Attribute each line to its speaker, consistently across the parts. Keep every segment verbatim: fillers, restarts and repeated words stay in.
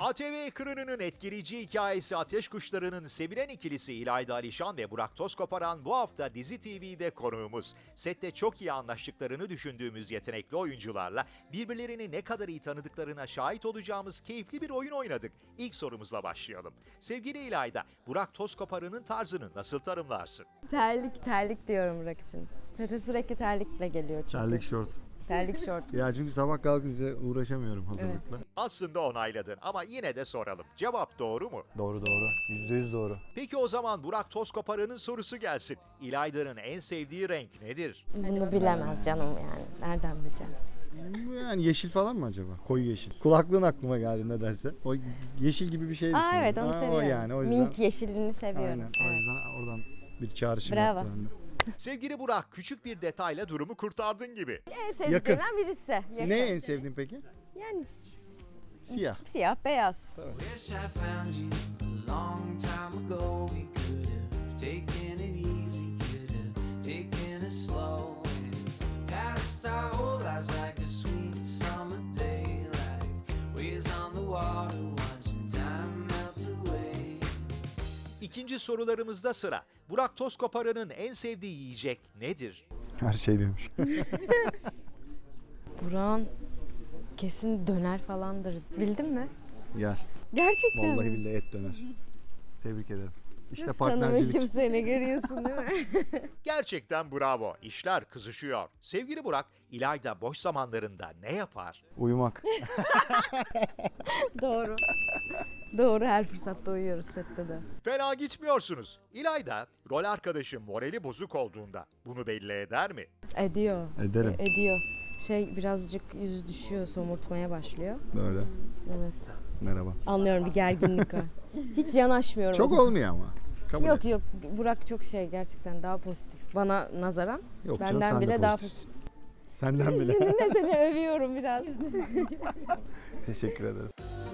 Speaker 1: A T V ekranının etkileyici hikayesi Ateş Kuşları'nın sevilen ikilisi İlayda Alişan ve Burak Tozkoparan bu hafta Dizi T V'de konuğumuz. Sette çok iyi anlaştıklarını düşündüğümüz yetenekli oyuncularla birbirlerini ne kadar iyi tanıdıklarına şahit olacağımız keyifli bir oyun oynadık. İlk sorumuzla başlayalım. Sevgili İlayda, Burak Tozkoparan'ın tarzını nasıl tanımlarsın?
Speaker 2: Terlik, terlik diyorum Burak için. Sete sürekli terlikle geliyor çünkü.
Speaker 3: Terlik şort.
Speaker 2: Terlik şort.
Speaker 3: Ya çünkü sabah kalkınca uğraşamıyorum hazırlıkla.
Speaker 1: Aslında onayladın ama yine de soralım. Cevap doğru mu?
Speaker 3: Doğru doğru. Yüzde yüz doğru.
Speaker 1: Peki o zaman Burak Tozkoparan'ın sorusu gelsin. İlayda'nın en sevdiği renk nedir?
Speaker 2: Bunu bilemez canım yani. Nereden bileceğim?
Speaker 3: Yani yeşil falan mı acaba? Koyu yeşil. Kulaklığın aklıma geldi nedense. O yeşil gibi bir şey
Speaker 2: Aa
Speaker 3: düşünüyorum.
Speaker 2: evet onu
Speaker 3: Aa,
Speaker 2: seviyorum.
Speaker 3: O yani o yüzden.
Speaker 2: Mint yeşilini seviyorum.
Speaker 3: Aynen. O
Speaker 2: Evet.
Speaker 3: yüzden oradan bir çağrışım
Speaker 2: Bravo.
Speaker 3: yaptı bende.
Speaker 1: Sevgili Burak, küçük bir detayla durumu kurtardın gibi.
Speaker 2: En sevdiklerimden birisi. Yakın.
Speaker 3: Ne en sevdiğin peki?
Speaker 2: Yani s-
Speaker 3: Siyah.
Speaker 2: siyah, beyaz.
Speaker 4: Wish I found you a long time ago. We could have taken it easy, could have taken it slow, and passed our whole lives like a sweet summer day, like waves on the water, watching time melt away.
Speaker 1: İkinci sorularımızda sıra. Burak Tozkoparan'ın en sevdiği yiyecek nedir?
Speaker 3: Her şey demiş.
Speaker 2: Burak'ın kesin döner falandır. Bildin mi?
Speaker 3: Gel.
Speaker 2: Gerçekten
Speaker 3: Vallahi
Speaker 2: mi?
Speaker 3: billahi et döner. Tebrik ederim. İşte
Speaker 2: Nasıl
Speaker 3: partnercilik.
Speaker 2: tanımışım seni görüyorsun değil mi?
Speaker 1: Gerçekten bravo. İşler kızışıyor. Sevgili Burak, İlayda boş zamanlarında ne yapar?
Speaker 3: Uyumak.
Speaker 2: Doğru. Doğru, her fırsatta uyuyoruz sette de.
Speaker 1: Fena gitmiyorsunuz. İlayda, rol arkadaşı morali bozuk olduğunda bunu belli eder mi?
Speaker 2: Ediyor.
Speaker 3: Ederim.
Speaker 2: E- ediyor. Şey birazcık yüz düşüyor, somurtmaya başlıyor.
Speaker 3: Böyle.
Speaker 2: Evet.
Speaker 3: Merhaba.
Speaker 2: Anlıyorum, bir gerginlik var. Hiç yanaşmıyorum. o
Speaker 3: Çok
Speaker 2: zaman.
Speaker 3: olmuyor ama. Kabul
Speaker 2: Yok
Speaker 3: et.
Speaker 2: yok, Burak çok şey gerçekten daha pozitif. Bana nazaran
Speaker 3: Yok canım,
Speaker 2: benden
Speaker 3: sen de
Speaker 2: bile daha
Speaker 3: pozitifsin.
Speaker 2: pozitif.
Speaker 3: Senden bile.
Speaker 2: Seninle seni övüyorum biraz.
Speaker 3: Teşekkür ederim.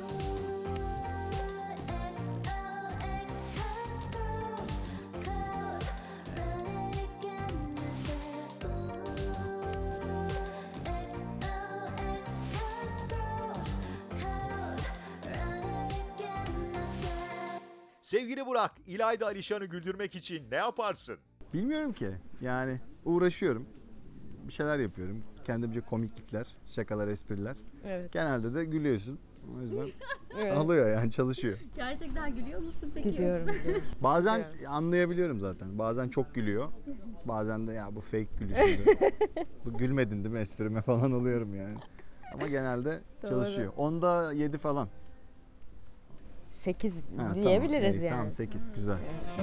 Speaker 1: Sevgili Burak, İlayda Alişan'ı güldürmek için ne yaparsın?
Speaker 3: Bilmiyorum ki. Yani uğraşıyorum. Bir şeyler yapıyorum. Kendimce komiklikler, şakalar, espriler.
Speaker 2: Evet.
Speaker 3: Genelde de gülüyorsun. O yüzden
Speaker 2: Evet.
Speaker 3: alıyor yani, çalışıyor.
Speaker 5: Gerçekten gülüyor musun peki?
Speaker 2: Gülüyorum. gülüyorum.
Speaker 3: Bazen anlayabiliyorum zaten. Bazen çok gülüyor. Bazen de ya bu fake gülüşüydü. Bu gülmedin değil mi esprime falan oluyorum yani. Ama genelde
Speaker 2: Doğru.
Speaker 3: çalışıyor. Onda yedi falan.
Speaker 2: Sekiz
Speaker 3: Ha,
Speaker 2: diyebiliriz
Speaker 3: tamam. İyi,
Speaker 2: yani.
Speaker 3: Tamam sekiz güzel.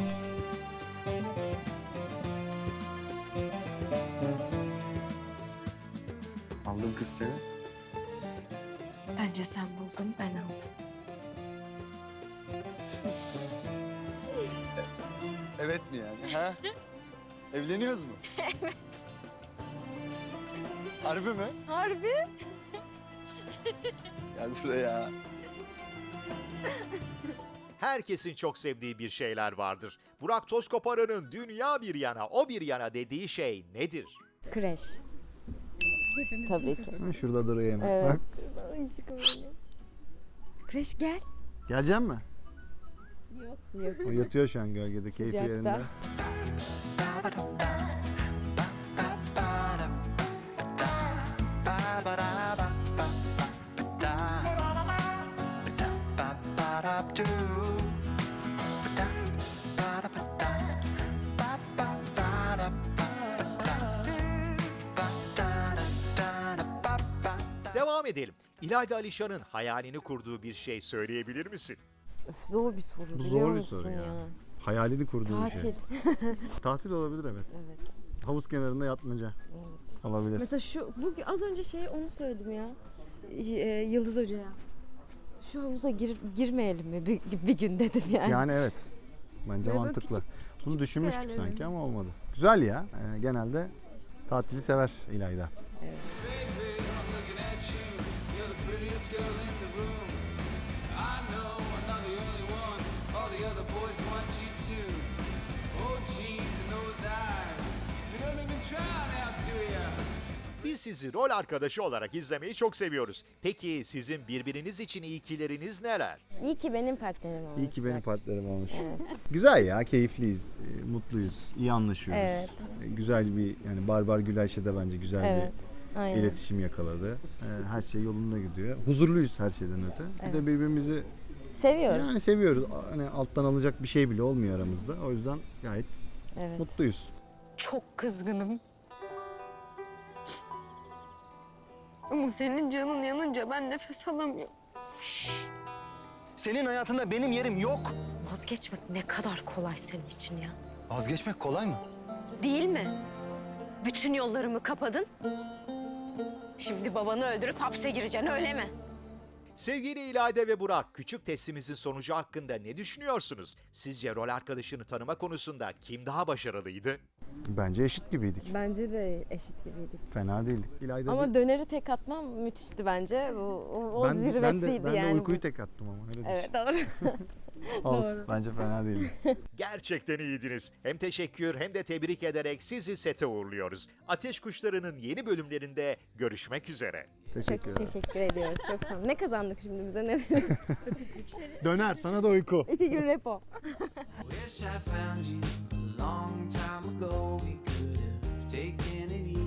Speaker 6: Aldım kız seni.
Speaker 5: Bence sen buldun, ben aldım.
Speaker 6: Evet mi yani? Ha? Evleniyoruz mu? Evet. Harbi mi?
Speaker 2: Harbi?
Speaker 6: Gel buraya.
Speaker 1: Herkesin çok sevdiği bir şeyler vardır. Burak Tozkoparan'ın dünya bir yana, o bir yana dediği şey nedir?
Speaker 2: Kreş. Tabii ki.
Speaker 3: Ha, şurada duruyor hemen.
Speaker 2: Evet.
Speaker 3: Bak.
Speaker 2: Kreş gel.
Speaker 3: Gelecek mi?
Speaker 2: Yok.
Speaker 3: O yatıyor şu an gölgede, keyfi
Speaker 2: Sıcakta.
Speaker 3: yerinde.
Speaker 1: Devam edelim. İlayda Alişan'ın hayalini kurduğu bir şey söyleyebilir misin?
Speaker 2: Öf, zor bir soru
Speaker 3: Bu
Speaker 2: biliyor
Speaker 3: zor bir
Speaker 2: musun
Speaker 3: soru ya.
Speaker 2: ya?
Speaker 3: Hayalini kurduğu bir
Speaker 2: Tatil.
Speaker 3: şey. Tatil olabilir evet.
Speaker 2: Evet.
Speaker 3: Havuz kenarında yatmaca
Speaker 2: Evet.
Speaker 3: olabilir.
Speaker 2: Mesela şu bu az önce şey onu söyledim ya. Y- e, Yıldız Hoca'ya. Şu havuza gir, girmeyelim mi bir, bir gün dedim yani.
Speaker 3: Yani evet. Bence
Speaker 2: Böyle
Speaker 3: mantıklı.
Speaker 2: küçük- küçük
Speaker 3: Bunu düşünmüştük
Speaker 2: hayallerim.
Speaker 3: sanki ama olmadı. Güzel ya. Ee, genelde tatili sever İlayda.
Speaker 1: Biz sizi rol arkadaşı olarak izlemeyi çok seviyoruz. Peki sizin birbiriniz için iyikileriniz neler?
Speaker 2: İyi ki benim partnerim olmuş.
Speaker 3: İyi ki benim
Speaker 2: bak.
Speaker 3: partnerim olmuş. Güzel ya, keyifliyiz, e, mutluyuz, iyi anlaşıyoruz.
Speaker 2: Evet.
Speaker 3: E, Güzel bir, yani Barbar Gülayşe de bence güzel
Speaker 2: Evet.
Speaker 3: bir
Speaker 2: Aynen.
Speaker 3: iletişim yakaladı. E, Her şey yolunda gidiyor. Huzurluyuz her şeyden öte. Bir
Speaker 2: Evet.
Speaker 3: de birbirimizi
Speaker 2: Seviyoruz.
Speaker 3: yani seviyoruz. Hani alttan alacak bir şey bile olmuyor aramızda. O yüzden gayet
Speaker 2: Evet.
Speaker 3: mutluyuz.
Speaker 7: Çok kızgınım. Ama senin canın yanınca ben nefes alamıyorum.
Speaker 8: Senin hayatında benim yerim yok.
Speaker 7: Vazgeçmek ne kadar kolay senin için ya.
Speaker 6: Vazgeçmek kolay mı?
Speaker 7: Değil mi? Bütün yollarımı kapadın. Şimdi babanı öldürüp hapse gireceksin öyle mi?
Speaker 1: Sevgili İlayda ve Burak, küçük testimizin sonucu hakkında ne düşünüyorsunuz? Sizce rol arkadaşını tanıma konusunda kim daha başarılıydı?
Speaker 3: Bence eşit gibiydik.
Speaker 2: Bence de eşit gibiydik.
Speaker 3: Fena değildik. İlayda
Speaker 2: Ama
Speaker 3: bir-
Speaker 2: döneri tek atmam müthişti bence. O, o, o
Speaker 3: ben,
Speaker 2: zirvesiydi
Speaker 3: ben de, ben
Speaker 2: yani.
Speaker 3: de uykuyu tek attım ama öyle düşün.
Speaker 2: Evet doğru.
Speaker 3: Olsun. Bence fena değildi.
Speaker 1: Gerçekten iyiydiniz. Hem teşekkür hem de tebrik ederek sizi sete uğurluyoruz. Ateş Kuşları'nın yeni bölümlerinde görüşmek üzere.
Speaker 3: Teşekkür
Speaker 2: Çok
Speaker 3: ederiz.
Speaker 2: teşekkür ediyoruz. Çok sağ olun. Ne kazandık şimdi bize ne?
Speaker 3: Döner, sana da uyku.
Speaker 2: İki gün repo.
Speaker 4: Wish I found you a long time ago. We could have taken it easy.